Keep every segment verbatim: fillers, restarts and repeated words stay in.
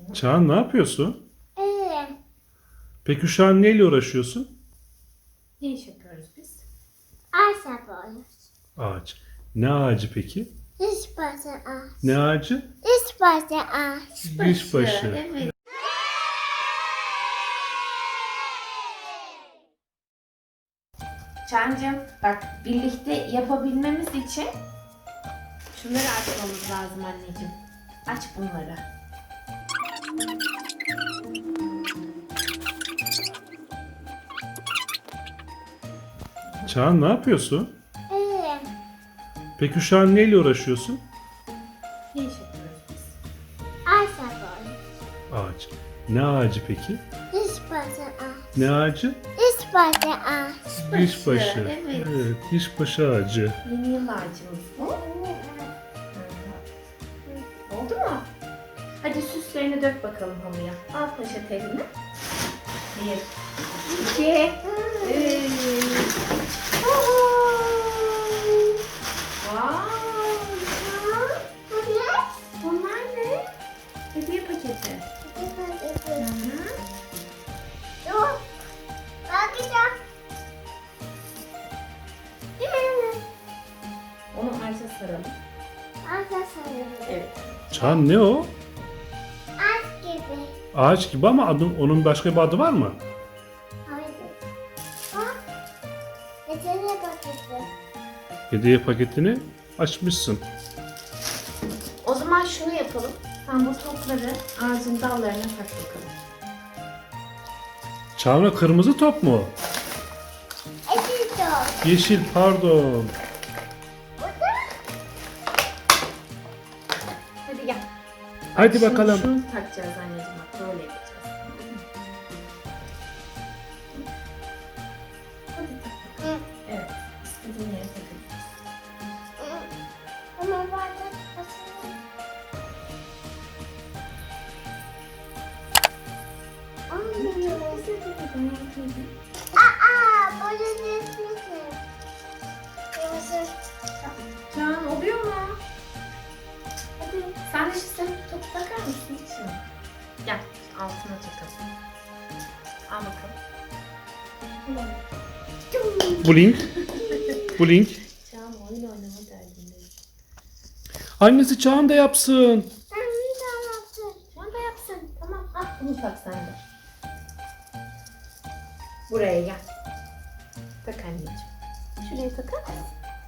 Çağan ne yapıyorsun? Evet. Peki şu an neyle uğraşıyorsun? Ne iş yapıyoruz biz? Ağaç yapıyoruz. Ağaç. Ne ağacı peki? Diş başı ağaç. Ne ağacı? Diş başı ağaç. Diş başı. Evet. Çancım bak birlikte yapabilmemiz için şunları açmamız lazım anneciğim. Aç bunları. Çağan ne yapıyorsun? Evet. Peki şu an neyle uğraşıyorsun? Ne iş yapıyoruz biz? Ağaç yapıyoruz. Ağaç. Ne ağacı peki? Diş başı ağaç. Ne ağacı? Diş başı ağaç. Diş başı. Evet. Evet, diş başı ağacı. Yeni yıl ağacımız bu. Oldu mu? Hadi süslerini dök bakalım hamuya. Al poşet eline. Bir, iki, üç. Vay! Bunlar ne? Hediye paketi. Hı hı. Dur. Bakacağım. Onu ağaca saralım. Ağaç sarıyorum. Evet. Çağan ne o? Ağaç gibi. Ağaç gibi ama adı, onun başka bir adı var mı? Hayır. Bak. Geçene bakacağım. Hediye paketini açmışsın. O zaman şunu yapalım. Sen bu topları ağacın dallarına tak bakalım. Çağan'a kırmızı top mu? Eşit ol. Yeşil pardon. Burada. Hadi gel. Hadi Şunu- bakalım. Şunu takacağız anneciğim bak böyle yapacağız. Hadi tak bakalım. Evet. İstediğin yere takacağız. Ama bazen basıyorum. Çok güzel dedi. Ben yapayım. Aa, böyle düşmüşsün. Kırmızı. Can oluyor mu? Hadi sen de şu sen topu takar mısın şunu? Gel altına takalım. Al bakalım. Blink. Blink. Can oyun oynama derdindeyiz. Annesi Çağan da yapsın. Ben bir daha yaptım. Can da yapsın. Tamam al bunu tak sen de. Buraya gel. Tak anneciğim. Şuraya takar mısın?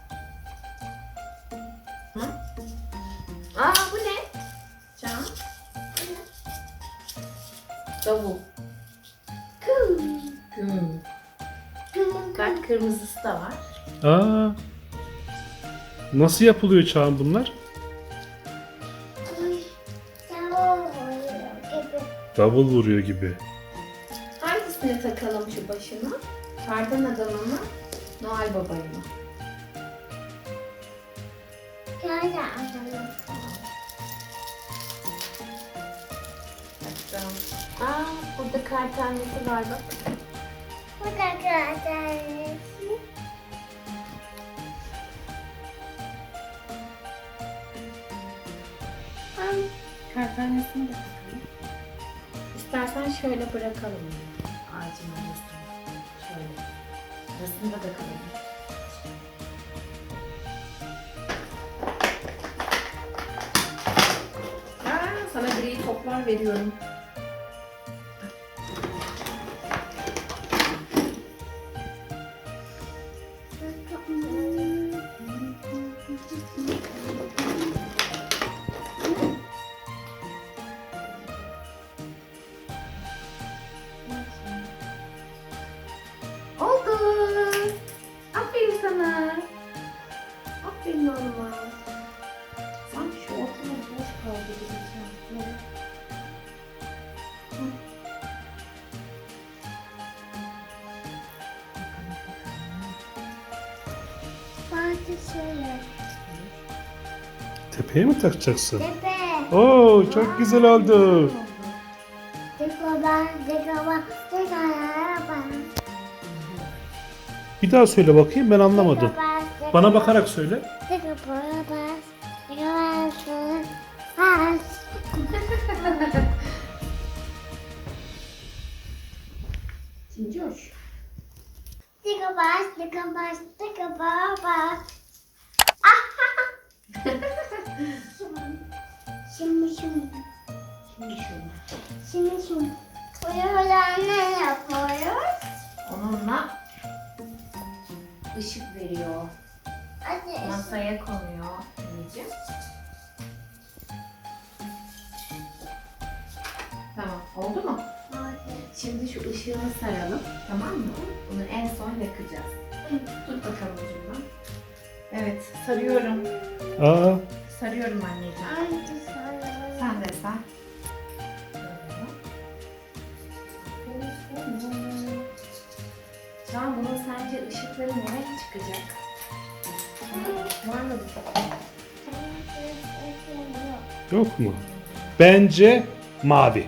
Hı? Aa bu ne? Can. Bu ne? Davul. Güm. Güm. Bak kırmızısı da var. Aa. Nasıl yapılıyor Çağan bunlar? Tamam oluyor gibi. Davul vuruyor gibi. Hangisini takalım şu başına? Kardan adamı mı? Noel babayı mı? Şöyle atalım. Bakalım. Aa burada kar tanesi var bak. Bu da kağıthanesi. Kar tanesini de takalım. İstersen şöyle bırakalım. Ağacın arasına. Şöyle. Arasında da kalalım. Aa, sana gri toplar veriyorum. Oldu. Aferin sana. Aferin oğluma. Sanki şu ortamda boş kaldı gibi. Böyle. Hı. Bakalım, bakalım. Bazı şöyle. Tepeye mi takacaksın? Tepe. Oo çok güzel oldu. Dekoban, dekoban, dekoban. Bir daha söyle bakayım ben anlamadım. Bana bakarak söyle. Dekoban, dekoban, dekoban. bas, tıka bas, tıka bas. Şimdi şimdi. Şimdi şunu. Şimdi şimdi. Buradan ne yapıyoruz? Onunla ışık veriyor. Hadi. Masaya konuyor anneciğim. Tamam, oldu mu? Şimdi şu ışığını saralım, tamam mı? Bunu en son yakacağız. Tut bakalım ucundan. Evet, sarıyorum. Aa, Sarıyorum anneciğim. Sen de sar. Şu an bunun sence ışıkları ne renk çıkacak? Var mı bir yok mu? Bence mavi.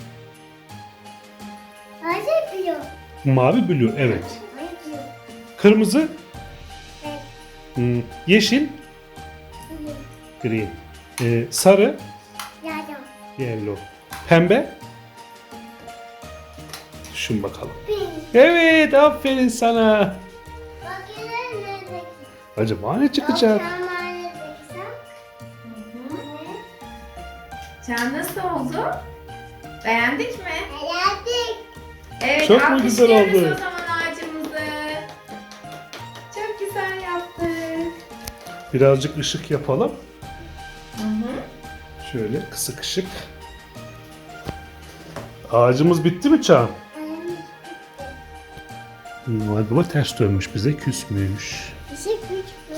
Hadi biliyor. Mavi blue, evet. Hadi biliyor. Kırmızı, Evet. hmm, yeşil, Biliyor. green. Ee, sarı, Yardım. yellow. Pembe. Düşün bakalım. Pink. Evet, aferin sana. Bakın ne dedik. Acaba ne çıkacak? Akşam ne dedik? Çağ nasıl oldu? Beğendik mi? Beğendik. Evet, Çok mu güzel alkışlıyoruz oldu? o zaman ağacımızı. Çok güzel yaptık. Birazcık ışık yapalım. Hı hı. Şöyle kısık ışık. Ağacımız bitti mi Çağan? Noel Baba ters dönmüş, bize küsmüş. Işık güç mü?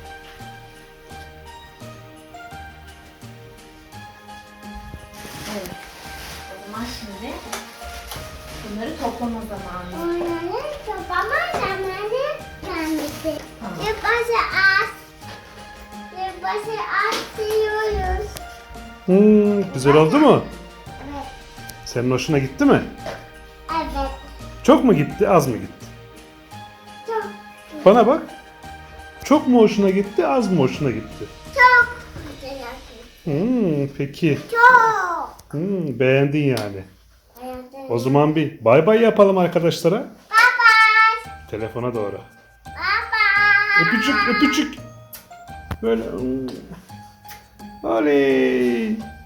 Evet. O zaman şimdi bunları toplama zamanı. Onları toplama zamanı gelmişti. Tamam. Yılbaşı az. Yılbaşı az yiyoruz. Hmm, güzel oldu mu? Evet. Senin hoşuna gitti mi? Evet. Çok mu gitti, az mı gitti? Çok. Bana bak. Çok mu hoşuna gitti, az mı hoşuna gitti? Çok güzel yapıyorsun. Hmm, peki. Çok. Hmm, beğendin yani. Beğendim. O zaman bir bay bay yapalım arkadaşlara. Bye bye. Telefona doğru. Bye bye. Öpücük, öpücük. Böyle. hmm. Oley.